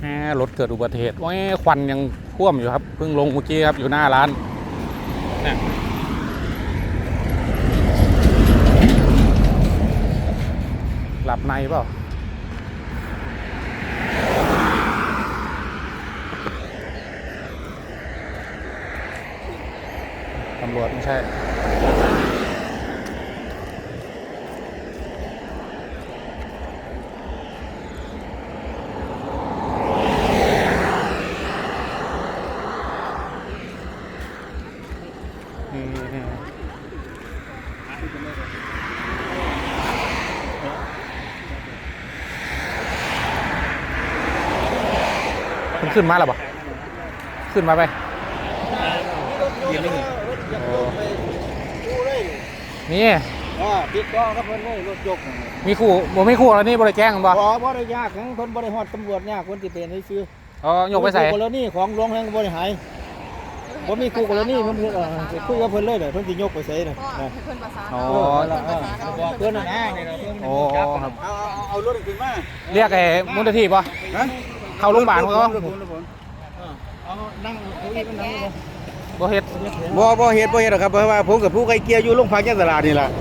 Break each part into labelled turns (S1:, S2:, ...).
S1: รถเกิดอุบัติเหตุโอ้ยควันยังท่วมอยู่ครับเพิ่งลงเมื่อกี้ครับอยู่หน้าร้านเนี่ยหลับในเปล่าตำรวจไม่ใช่มันขึ้นมาแล้วปะขึ้นมาไปนี่
S2: ติดต่อกับเพิ่นเลยรถยก
S1: มีคู่บ่มีคู่แล้วนี่บริแจ้งกันบ่
S2: บ่ได้ยากของเพิ่นบ่ได้ฮอดตำรวจยากคนสิเป็นให้ซื้อ
S1: อ๋อยกไปใส่
S2: กรณีของหลวงแห่งบ่ได้หายบ่มีคู่กรณีเพิ่นคุยกับเพิ่นเลยเด้อเพิ่นสิยกไปใส่น่ะ
S1: อ๋อ
S2: เพิ่นน่ะนะนี่เพิ่นจับครับเอารถขึ้นมา
S1: เรียกไอ้มูลนิธิป่ะเข้าโรงพยาบาลเขา
S2: เอานั่งคุยกันนั่ง
S1: บ่เฮ็ด
S2: บ่เฮ็ดหรอกครับเพราะว่าผมกับผู้ไกลเกลี่ยอยู่โรงพักยะตลาดนี่ล่ะ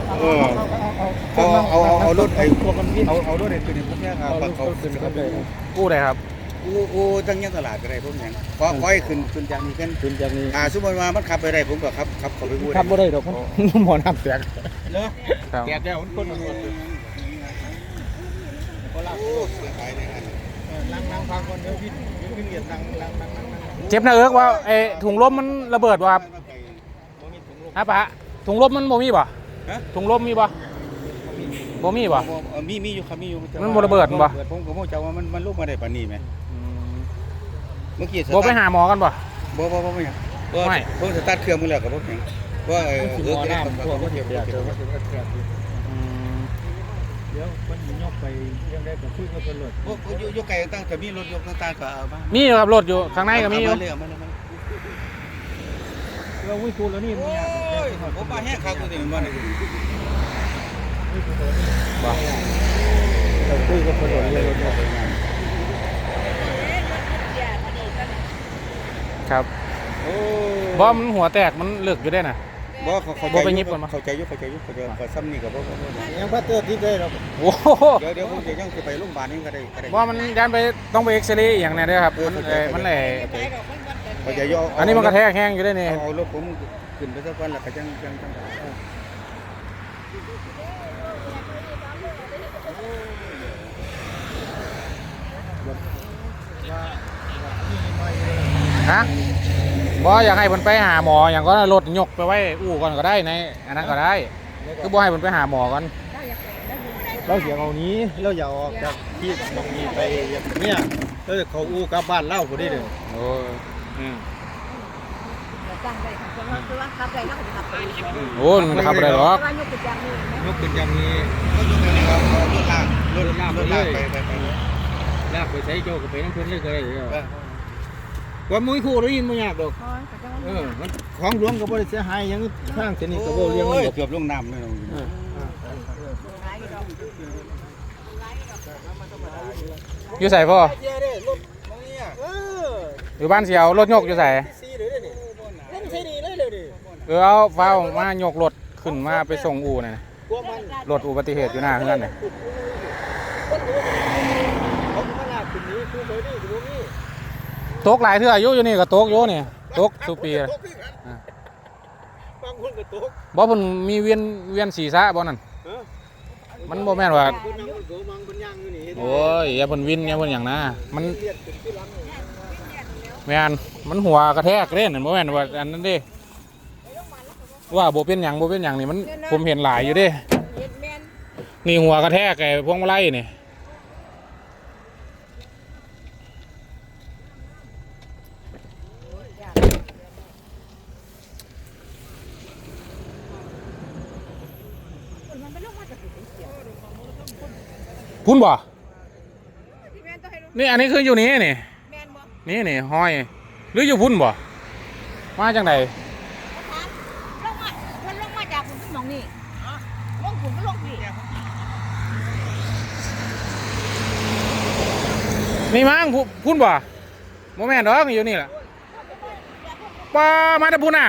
S2: เอารถไอ้เอารถไอ้ตัวนี้พวกเนี้ยครับเขาขึ้นครับ
S1: กู้ได้ครับ
S2: กู้ทั้งยะตลาดก็ได้พวกนี้ขอให้ขึ้นจากนี้ขึ้นจากนี้สมมุติว่ามันขับไปได้ผมก็ขับเข้าไปกู้
S1: ขับบ่ได้ดอกหมอน้ำแตก
S2: เนาะแตกแล้วคนตำรวจนั่งฟังคนเดียวพี่เกียรตินั่ง
S1: เจ็บหน้าเอิกว่าไอ้ถุงลมมันระเบิดว่ะฮะปะถุงลมมันบ่มีบ่ถุงลมมีบ่บ่มีบ่
S2: มีอยู่ครับมีอยู่
S1: มันบ่ระเบิดบ่
S2: ผมก็บ่เจ้าว่ามันลุกมาได้ปานนี้แหมเมื่อกี้
S1: บ่ไปหาหมอกันบ่
S2: บ่ไม่หยังไม่ผมสตาร์ทเครื่องมื้อแล้วก็บ่หยังว่าน้ำพวกมันเดี๋ยวมันยกไปยังได้ก็คุยกับตำรวจยกไก่ตั้งแต่มีรถยกต่างๆก็เอามา
S1: มีครับรถอยู่ข้างในก็มีอยู่
S2: เราวิ่งคูแล้วนี่ผมมาแห้งขากูนี่มันนี่
S1: บ่
S2: เราคุยกับตำรวจเลยรถยกไปงาน
S1: ครับบ่มันหัวแตกมันเลือกอยู่ได้น่ะ
S2: บ่เขาไปยิบกันมาเข้าใจยุเขาซ้ำนี่กับยังพัดเตอร์ที่ได้เรา
S1: โอ้
S2: เดี๋ยวผมจะยังจะไปโรงพยาบาลนี่ก็ได้
S1: ว่ามันยันไปต้องไปเอ็กซเรย์อย่างนี้ด้วยครับมันแหล่
S2: เขาจะย่อ
S1: อันนี้มันกระแทกแห้งอยู่ได้นี่
S2: เอารถผมขึ้นไปสักวันแล้วก็ยัง
S1: ฮะบ่อยากให้มันไปหาหมออย่างก็รถยกไปไว้อู่ก่อนก็ได้ในอันนั้นก็ได้คือบ่ให้มันไปหาหมอก่อน
S2: เราเสียงเอานี้เราอย่าออกจากที่ตรงนี้ไปเนี่ยเราจะเขาอู่กลับบ้านเล่าพอดีเลย
S1: โอ้โอ้มันขับอะไรหรอก
S2: ยกขึ้นอย่างนี้ก็ยกขึ้นครับรถลากไปลากไปใช้โจกับไปน้ำพื้นเลยก็ได้ว่ามุ้ยคู่ได้ยินมั้ยากดอกของหลวงก็บ่ได้เสียหายยังทางเส้นนี้ก็บ่เลี้ยงเกือบลงน้ำเลย
S1: อยู่ใส่พ่ออยู่บ้านเสียวรถยกอยู่ใส่เอาฟ้ามายกรถขึ้นมาไปส่งอู่น่ะรถอุบัติเหตุอยู่หน้าเฮือนน่ะตกหลายเทื่ออยู่นี่ก็ตกอยู่นี่ตกสุปีบ่เพิ่นมีเวียนศีรษะบ่นั่นมันบ่แม่นว่าโอ้ยอย่าเพิ่นวินอย่าเพิ่นหยังนะมันแม่นมันหัวกระแทกเด้นั่นบ่แม่นว่าอันนั้นเด้ว่าบ่เป็นหยังนี่มันผมเห็นหลายอยู่เด้นี่หัวกระแทกไอ้พวงมาลัยนี่พุ่นบ่นี่อันนี้คืออยู่นี่นี่ห้อยหรืออยู่พุ่นบ่มาจังได
S3: ลงมาจากคุณหนองนี่ลงคุณก็ลงนี่
S1: นี่มั้งพุ่นบ่โมแม่นดอกอยู่นี่แหละป้ามาแต่พุ่นน่ะ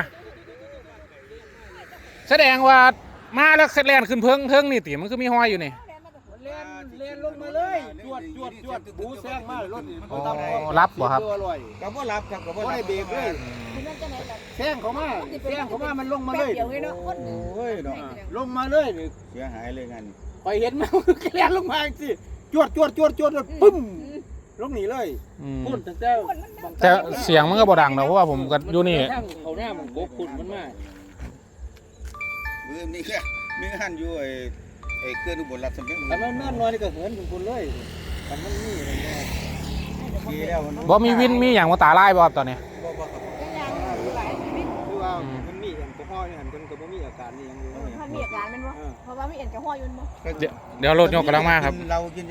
S1: แสดงว่ามาแล้วแล่นขึ้นเพิ่งนี่ติมันคือมีห้อยอยู่นี่
S2: เล่นลงมาเลยจวดบูแซงมารถ
S1: อ๋อรับบ่ครับ
S2: ก็บ่รับครับก็บ่ได้เบรกเลย
S3: มันจะไหนแบบ
S2: แซงเขามามันลงมาเลย
S3: เดี๋ยวไงเนาะคน
S2: โอ้ยเนาะลงมาเลยนี่
S4: เสียหายเลยงานนี้
S2: ไปเห็นมันแล่นลงมาสิจวดปึ้มลงหนีเลย
S1: อืม
S2: พุ่นตั้งแต่
S1: แต่เสียงมันก็บ่ดังนะเพราะว่าผมก็อยู่นี่
S2: เขาหน้ามันโกกพุ่นมันมา
S4: นี่แค่มีหันอยู่ไอ้เครื่องอุบลรับสำเร็จ
S2: แต่มันน้อยนี่ก็เหินพุ่นเลยแต่มันนี่อะไรเงี้ย
S4: ดีแล้วมัน
S1: บ่มีวินมีอย่างมาตาลายบ่ครับตอนนี้
S2: คือว่ามันมีแอลกอฮอล์นี่หันกันก็บ่มีอาการนี่ยังอยู่
S3: มันมีอาการมันวะเพราะว่ามีเอ็นกระห้อยอยู่มั้ง
S1: เดี๋ยวรถยกกำลังมาครับ
S4: เรากิน